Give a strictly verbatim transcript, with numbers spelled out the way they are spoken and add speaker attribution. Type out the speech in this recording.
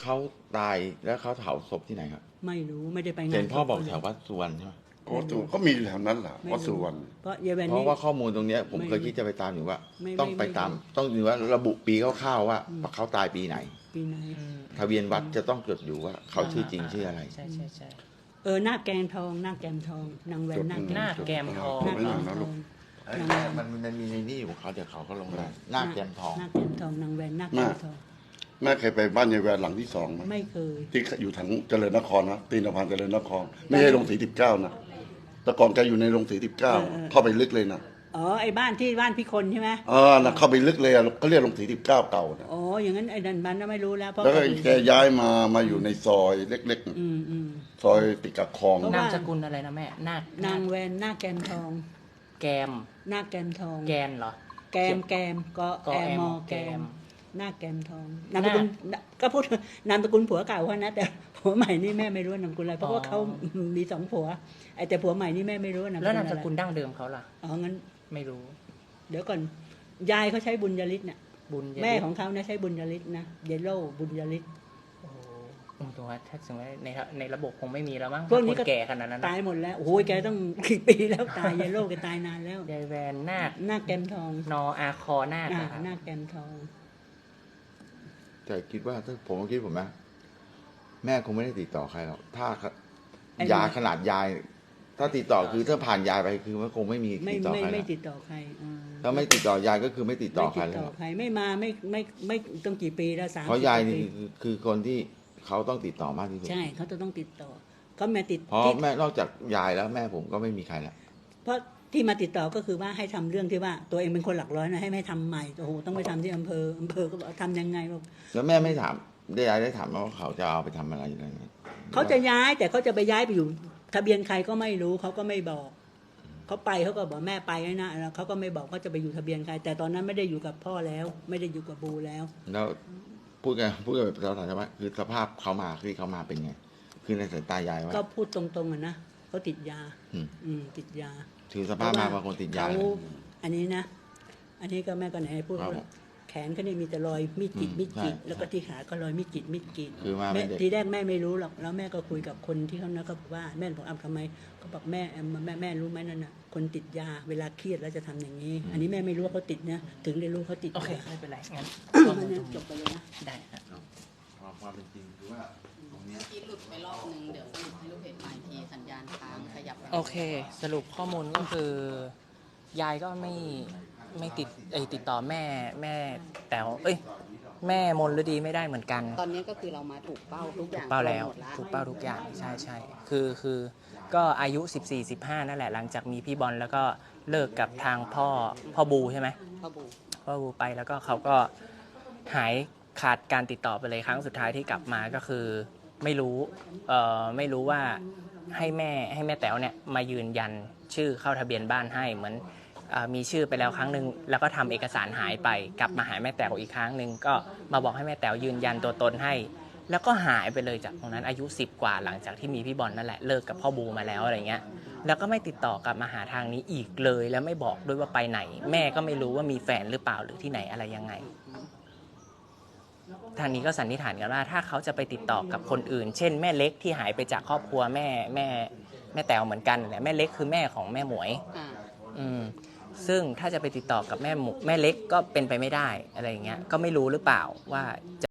Speaker 1: เขาตายแล้วเขาเผาศพที่ไหนครับ
Speaker 2: ไม่รู้ไม่ได้ไปงาน
Speaker 1: เห็นพ่อบอก
Speaker 2: ศพ
Speaker 1: แถววัดสุวรรณใช่ไหม
Speaker 3: วัดสุวรรณก็มีแถวนั้นแหละ
Speaker 2: ไม่
Speaker 3: วัดสุวรรณ
Speaker 2: เพราะยายแวน
Speaker 1: เพ
Speaker 2: นี่
Speaker 1: ราะว่าข้อมูลตรงเนี้ยผม
Speaker 2: ไม่
Speaker 1: เคยคิดจะไปตามอยู่ว่า
Speaker 2: ไม่
Speaker 1: ต้อง
Speaker 2: ไม่
Speaker 1: ไปตาม
Speaker 2: ไม่
Speaker 1: ต้องดูว่าระบุปีคร่าวๆว่าเขาตายปีไหน
Speaker 2: ปีไหน
Speaker 1: ทะเบียนวัดจะต้องจดอยู่ว่าเขาชื่อจริงชื่ออะไร
Speaker 4: ใช่ใช่ใช่
Speaker 2: เออหน้าแกงทองหน้าแกมทองนางแวนหน้าแก
Speaker 4: หน้า
Speaker 2: มทอง
Speaker 4: แกมทอง
Speaker 2: หน้า
Speaker 3: ไม่
Speaker 2: แก
Speaker 3: นาน
Speaker 2: ม
Speaker 3: นะ
Speaker 2: ท
Speaker 3: ลู
Speaker 2: อก ง
Speaker 1: เอ้ยมันมันมีในนี่ของเขาเดี๋ยวเขาก็ลงได้หน้าแกมทอง
Speaker 2: หน้าแกมทองนางแวนหน้าแกมทอง
Speaker 3: แม่เคยไปบ้านยายแวนหลังที่สองไหม
Speaker 2: ไม่เคย
Speaker 3: ที่อยู่ทางเจริญนครนะตีนสะพานเจริญนคร ไม่ใช่โรงสีสิบเก้านะแต่ก่อนแกอยู่ในโรงสีสิบเก้าเข้าไปลึกเลยนะ
Speaker 2: อ๋อไอ้บ้านที่บ้านพี่คนใช่ไหม
Speaker 3: เออนะเข้าไปลึกเลยอะเขาเรียกโรงสีสิบเก้าเก่านะ
Speaker 2: อ๋ออย่างนั้นไอ้ดันบันน่ะไม่รู้แล้วเพราะ
Speaker 3: แล้วก็
Speaker 2: เขา
Speaker 3: แกย้ายมามาอยู่ในซอยเล็กๆน่ะ
Speaker 2: อืมอืม
Speaker 3: ซอยติดกับคลอง
Speaker 2: เพราะ
Speaker 4: นา
Speaker 2: ว่า
Speaker 4: มสกุลอะไรนะแม่นาคน
Speaker 2: างแวนหน้าแกมทอง
Speaker 4: แกม
Speaker 2: หน้าแกมทอง
Speaker 4: แกนเหรอ
Speaker 2: แกมแกมก็
Speaker 4: ก็
Speaker 2: แอ
Speaker 4: แอ
Speaker 2: ม
Speaker 4: ม
Speaker 2: มอแก
Speaker 4: แก
Speaker 2: ม
Speaker 4: ม
Speaker 2: หน้าแกมทองนามสกุลก็พูดนามสกุลผัวเก่าเขานะแต่ผัวใหม่นี่แม่ไม่รู้ว่านามสกุลอะไรเพราะว่าเขามีสองผัวไอ้แต่ผัวใหม่นี่แม่ไม่รู้ว่านามสกุล
Speaker 4: แล้
Speaker 2: อะ
Speaker 4: วนามส
Speaker 2: ไร
Speaker 4: กุลดั้งเดิมเขาล่ะ
Speaker 2: อ๋องั้น
Speaker 4: ไม่รู้
Speaker 2: เดี๋ยวก่อนยายเขาใช้บุญยฤทธิ์น่ะ
Speaker 4: บุญยฤทธิ์
Speaker 2: แม่ของเขานะใช้บุญยฤทธิ์นะเยลโล่บุญยฤทธิ์
Speaker 4: โอ้โหผมตัวาถ้าสมมติว่าในในระบบคงไม่มีแล้วมั้ง
Speaker 2: พวกนี้
Speaker 4: ค
Speaker 2: ก็
Speaker 4: นแก่ขนาดนั้นนะ
Speaker 2: ตายหมดแล้วโอ้ยแกต้องกี่ปีแล้วตายเยลโล่แกตายนานแล้ว
Speaker 4: ยายแวนนาค
Speaker 2: หน้าแกมทอง
Speaker 4: นออาคอนาค
Speaker 2: อ่า
Speaker 4: อะครับ
Speaker 2: หน้าแกมทอง
Speaker 1: แต่คิดว่าถ้าผมก็คิดผมนะแม่คงไม่ได้ติดต่อใครหรอกถ้า
Speaker 2: ไอ้
Speaker 1: ยาขนาดยาย ถ้าติดต่อคือถ้าผ่านยายไปคือมันคงไม่มี
Speaker 2: ไม่
Speaker 1: ติดต่อ
Speaker 2: ไม่
Speaker 1: ใครหร
Speaker 2: ไม่
Speaker 1: อก
Speaker 2: ติดต่อใครอ่า
Speaker 1: ถ้าไม่ติดต่อยายก็คือไม่ติดต่อใคร
Speaker 2: ไม่
Speaker 1: เล
Speaker 2: ติ
Speaker 1: ย
Speaker 2: ด
Speaker 1: ห
Speaker 2: ต่
Speaker 1: ร
Speaker 2: อ
Speaker 1: อก
Speaker 2: ใครไม่มาไม่ไม่ไม่ต้องกี่ปีแล้วสาม
Speaker 1: เพราะยายนี่
Speaker 2: ปี
Speaker 1: คือคือคนที่เขาต้องติดต่อมากที่สุด
Speaker 2: ใช่เขาจะต้องติดต่อเขามาติด
Speaker 1: เพราะ
Speaker 2: ที่
Speaker 1: แม่นอกจากยายแล้วแม่ผมก็ไม่มีใครละ
Speaker 2: เพราะที่มาติดต่อก็คือว่าให้ทำเรื่องที่ว่าตัวเองเป็นคนหลักร้อยนะให้ไม่ทำใหม่โอ้โหต้องไปทำที่อำเภออำเภอก็บอกทำยังไงบอก
Speaker 1: แล้วแม่ไม่ถามได้ยายได้ถามไหมว่าเขาจะเอาไปทำอะไรอะไรเงี้ย
Speaker 2: เขาจะย้ายแต่เขาจะไปย้ายไปอยู่ ทะเบียนใครก็ไม่รู้เขาก็ไม่บอกเขาไปเขาก็บอกแม่ไปแล้วนะแล้วเขาก็ไม่บอกเขาจะไปอยู่ทะเบียนใคร แต่ตอนนั้นไม่ได้อยู่กับพ่อแล้ว ไม่ได้อยู่กับบูแล้ว
Speaker 1: แล้วพูดกันพูดกันแบบภาษาไทยใช่ไหมคือสภาพเขามาคือเขามาเป็นไง คือในสายตายายว่า
Speaker 2: ก็พูดตรงๆอ่ะนะเขาติดยา
Speaker 1: อืม
Speaker 2: อืมติดยา
Speaker 1: ถือสภาพมาว่าคนติดยา
Speaker 2: เขา
Speaker 1: เลย
Speaker 2: อันนี้นะ อันนี้ก็แม่ก็ไหนพูด
Speaker 1: ครับ
Speaker 2: ว่าแขนเขาเนี่ยมีแต่รอยมีดกรีด
Speaker 1: อืม
Speaker 2: มีดกรีด
Speaker 1: ใช่
Speaker 2: แล้วก็ที่ขาก็รอยมีดกรีดมีดกรีด
Speaker 1: คือมา
Speaker 2: แม่
Speaker 1: เป็นเด็ก
Speaker 2: ทีแรกแม่ไม่รู้หรอกแล้วแม่ก็คุยกับคนที่เขานะก็บอกว่าแม่บอกอ้ำทำไมก็บอกแม่แอมแม่แม่รู้ไหมนั่นน่ะคนติดยาเวลาเครียดแล้วจะทำอย่างนี้ อันนี้แม่ไม่รู้ว่าเขาติดนะถึงได้รู้เขาติด
Speaker 4: โอเค
Speaker 2: ยา
Speaker 4: ไม่เป็นไรงั้น
Speaker 2: มันเนี่ยจบไปเลยนะ
Speaker 4: ได้ครับ
Speaker 1: ความความเป็นจริงคือว่าตรงเนี้ย
Speaker 5: ที่หลุดไปรอบนึงเดี๋ยวสรุปให้ลูกเพจใหม่ทีสัญญาณค้างขยับไป
Speaker 4: โอเค สรุปข้อมูลก็คือยายก็ไม่ไม่ติดไอยติดต่อแม่แม่แต๋วเอ้ยแม่มนฤดีไม่ได้เหมือนกัน
Speaker 5: ตอนนี้ก็คือเรามาถูกเป้าทุกอ
Speaker 4: ถู
Speaker 5: ย่าง
Speaker 4: กเป้าแล้ว
Speaker 5: หมดละ
Speaker 4: ถูกเป้าทุกอย่างใช่ใช่คือคือก็อายุ สิบสี่ สิบห้า นั่นแหละหลังจากมีพี่บอลแล้วก็เลิกกับทางพ่อพ่อบูใช่ไหม
Speaker 5: พ่อบู
Speaker 4: พ่อบูไปแล้วก็เขาก็หายขาดการติดต่อไปเลยครั้งสุดท้ายที่กลับมาก็คือไม่รู้เอ่อไม่รู้ว่าให้แม่ให้แม่แต๋วเนี่ยมายืนยันชื่อเข้าทะเบียนบ้านให้เหมือนเอ่อมีชื่อไปแล้วครั้งหนึ่งแล้วก็ทำเอกสารหายไปกลับมาหาแม่แต๋วอีกครั้งหนึ่งก็มาบอกให้แม่แต๋วยืนยันตัวตนให้ แล้วก็หายไปเลยจากตรงนั้นอายุสิบกว่าหลังจากที่มีพี่บอลนั่นแหละเลิกกับพ่อบูมาแล้วอะไรเงี้ยแล้วก็ไม่ติดต่อกลับมาหาทางนี้อีกเลยแล้วไม่บอกด้วยว่าไปไหน แม่ก็ไม่รู้ว่ามีแฟนหรือเปล่าหรือที่ไหนอะไรยังไง ทางนี้ก็สันนิษฐานกันว่าถ้าเขาจะไปติดต่อกับคนอื่น เช่นแม่เล็กที่หายไปจากครอบครัวแม่แม่แม่แต๋วเหมือนกันแหละแม่เล็กคือแม่ของแม่หมวย
Speaker 5: อ่า
Speaker 4: อืมซึ่งถ้าจะไปติดต่อกับแม่หมูแม่เล็กก็เป็นไปไม่ได้อะไรอย่างเงี้ยก็ไม่รู้หรือเปล่าว่าจะ